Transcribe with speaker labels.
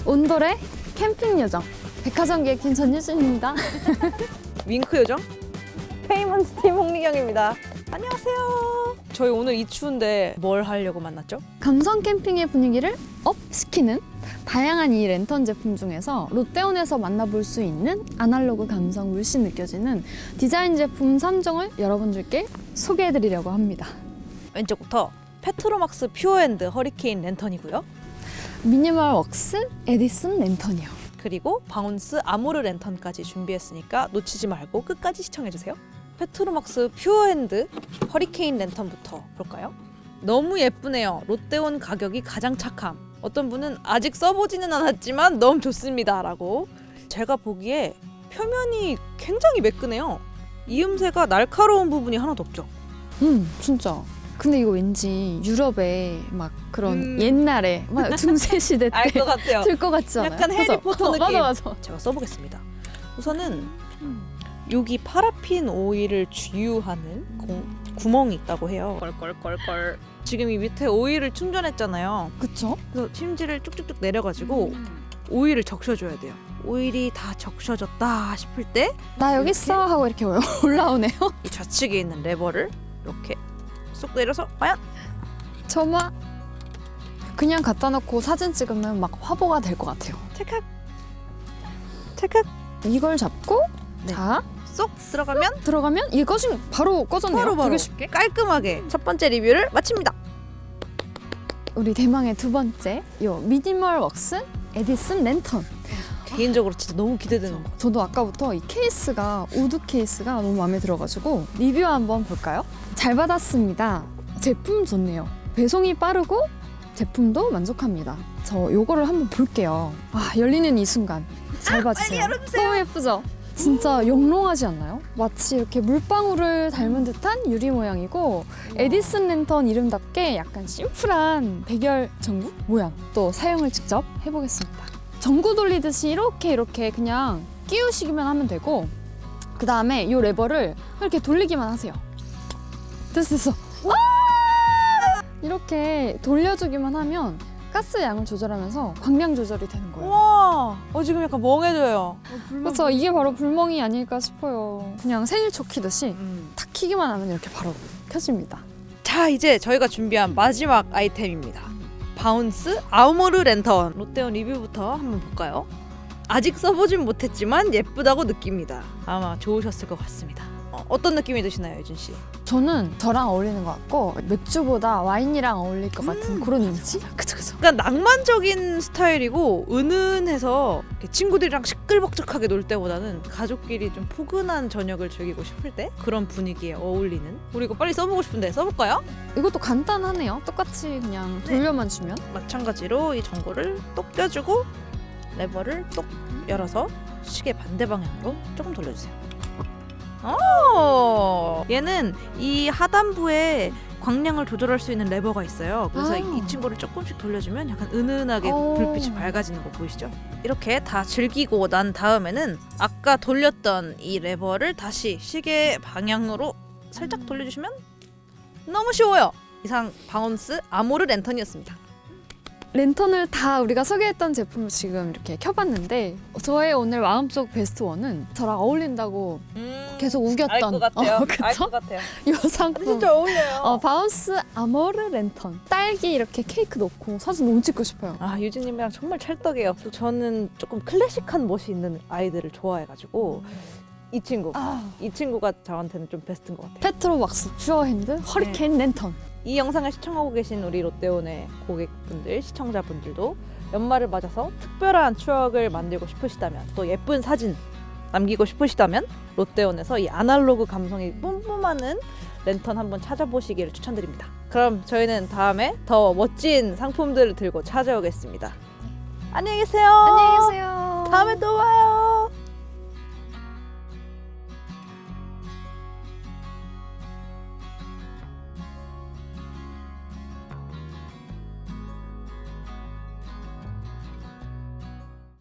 Speaker 1: 온돌의 캠핑 요정 백화점 기획팀 전유진입니다.
Speaker 2: 윙크 요정 페이먼트 팀 홍리경입니다. 안녕하세요. 저희 오늘 이 추운데 뭘 하려고 만났죠?
Speaker 1: 감성 캠핑의 분위기를 업 시키는 다양한 이 랜턴 제품 중에서 롯데온에서 만나볼 수 있는 아날로그 감성 물씬 느껴지는 디자인 제품 3종을 여러분들께 소개해드리려고 합니다.
Speaker 2: 왼쪽부터 페트로막스 퓨어핸드 허리케인 랜턴이고요.
Speaker 1: 미니멀 웍스 에디슨 랜턴이요.
Speaker 2: 그리고 바운스 아모르 랜턴까지 준비했으니까 놓치지 말고 끝까지 시청해주세요. 페트로막스 퓨어핸드 허리케인 랜턴부터 볼까요? 너무 예쁘네요. 롯데온 가격이 가장 착함. 어떤 분은 아직 써보지는 않았지만 너무 좋습니다 라고. 제가 보기에 표면이 굉장히 매끈해요. 이음새가 날카로운 부분이 하나도 없죠.
Speaker 1: 진짜. 근데 이거 왠지 유럽의 막 그런 옛날에 막 중세 시대
Speaker 2: 알
Speaker 1: 때
Speaker 2: 것 같아요.
Speaker 1: 들 것 같지 않아요?
Speaker 2: 약간 해리포터
Speaker 1: 그죠?
Speaker 2: 느낌.
Speaker 1: 맞아.
Speaker 2: 제가 써보겠습니다. 우선은 여기 파라핀 오일을 주유하는 구멍이 있다고 해요. 껄껄껄껄. 지금 이 밑에 오일을 충전했잖아요.
Speaker 1: 그쵸?
Speaker 2: 그래서 심지를 쭉쭉쭉 내려가지고 오일을 적셔줘야 돼요. 오일이 다 적셔졌다 싶을 때 이
Speaker 1: 나 여기 있어 하고 이렇게 올라오네요.
Speaker 2: 좌측에 있는 레버를 이렇게 쏙 내려서 과연
Speaker 1: 저마 그냥 갖다 놓고 사진 찍으면 막 화보가 될 것 같아요.
Speaker 2: 찰칵 찰칵
Speaker 1: 이걸 잡고
Speaker 2: 네.
Speaker 1: 자
Speaker 2: 쏙 들어가면
Speaker 1: 들어가면 이거 지금 바로 꺼졌네요.
Speaker 2: 바로
Speaker 1: 되게 쉽게.
Speaker 2: 깔끔하게 첫 번째 리뷰를 마칩니다.
Speaker 1: 우리 대망의 두 번째 요 미니멀 웍스 에디슨 랜턴.
Speaker 2: 개인적으로 진짜 너무 기대되는 거.
Speaker 1: 저도 아까부터 이 케이스가 우드 케이스가 너무 마음에 들어가지고 리뷰 한번 볼까요? 잘 받았습니다. 제품 좋네요. 배송이 빠르고 제품도 만족합니다. 저 요거를 한번 볼게요. 아, 열리는 이 순간 잘 봐주세요.
Speaker 2: 빨리 열어주세요.
Speaker 1: 너무 예쁘죠? 진짜 영롱하지 않나요? 마치 이렇게 물방울을 닮은 듯한 유리 모양이고 에디슨 랜턴 이름답게 약간 심플한 백열 전구 모양. 또 사용을 직접 해보겠습니다. 전구 돌리듯이 이렇게 그냥 끼우시기만 하면 되고 그 다음에 이 레버를 이렇게 돌리기만 하세요. 됐어. 와! 이렇게 돌려주기만 하면 가스 양을 조절하면서 광량 조절이 되는 거예요.
Speaker 2: 우와, 지금 약간 멍해져요.
Speaker 1: 그렇죠. 이게 바로 불멍이 아닐까 싶어요. 그냥 생일초 키듯이 탁 키기만 하면 이렇게 바로 켜집니다.
Speaker 2: 자, 이제 저희가 준비한 마지막 아이템입니다. 바운스 아모르 랜턴. 롯데온 리뷰부터 한번 볼까요? 아직 써보진 못했지만 예쁘다고 느낍니다. 아마 좋으셨을 것 같습니다. 어떤 느낌이 드시나요, 유진 씨?
Speaker 1: 저는 저랑 어울리는 것 같고 맥주보다 와인이랑 어울릴 것 같은 그런 이미지? 그쵸.
Speaker 2: 약간 낭만적인 스타일이고 은은해서 이렇게 친구들이랑 시끌벅적하게 놀 때보다는 가족끼리 좀 포근한 저녁을 즐기고 싶을 때 그런 분위기에 어울리는. 우리 이거 빨리 써보고 싶은데 써볼까요?
Speaker 1: 이것도 간단하네요. 똑같이 그냥 돌려만 주면.
Speaker 2: 마찬가지로 이 전구를 똑 껴주고 레버를 똑 열어서 시계 반대 방향으로 조금 돌려주세요. 얘는 이 하단부에 광량을 조절할 수 있는 레버가 있어요. 그래서 이 친구를 조금씩 돌려주면 약간 은은하게 불빛이 밝아지는 거 보이시죠? 이렇게 다 즐기고 난 다음에는 아까 돌렸던 이 레버를 다시 시계 방향으로 살짝 돌려주시면 너무 쉬워요. 이상 바운스 아모르 랜턴이었습니다.
Speaker 1: 랜턴을 다 우리가 소개했던 제품을 지금 이렇게 켜봤는데 저의 오늘 마음속 베스트 원은 저랑 어울린다고 계속 우겼던
Speaker 2: 알 것 같아요.
Speaker 1: 그쵸?
Speaker 2: 알 것 같아요.
Speaker 1: 이 상품
Speaker 2: 진짜 어울려요.
Speaker 1: 바운스 아모르 랜턴 딸기 이렇게 케이크 넣고 사진 너무 찍고 싶어요.
Speaker 2: 유진님이랑 정말 찰떡이에요. 저는 조금 클래식한 멋이 있는 아이들을 좋아해가지고 이 친구가 저한테는 좀 베스트인 것 같아요.
Speaker 1: 페트로왁스 퓨어핸드 허리케인 랜턴.
Speaker 2: 이 영상을 시청하고 계신 우리 롯데온의 고객분들, 시청자분들도 연말을 맞아서 특별한 추억을 만들고 싶으시다면 또 예쁜 사진 남기고 싶으시다면 롯데온에서 이 아날로그 감성이 뿜뿜하는 랜턴 한번 찾아보시기를 추천드립니다. 그럼 저희는 다음에 더 멋진 상품들을 들고 찾아오겠습니다. 안녕히 계세요.
Speaker 1: 안녕히 계세요.
Speaker 2: 다음에 또 봐요.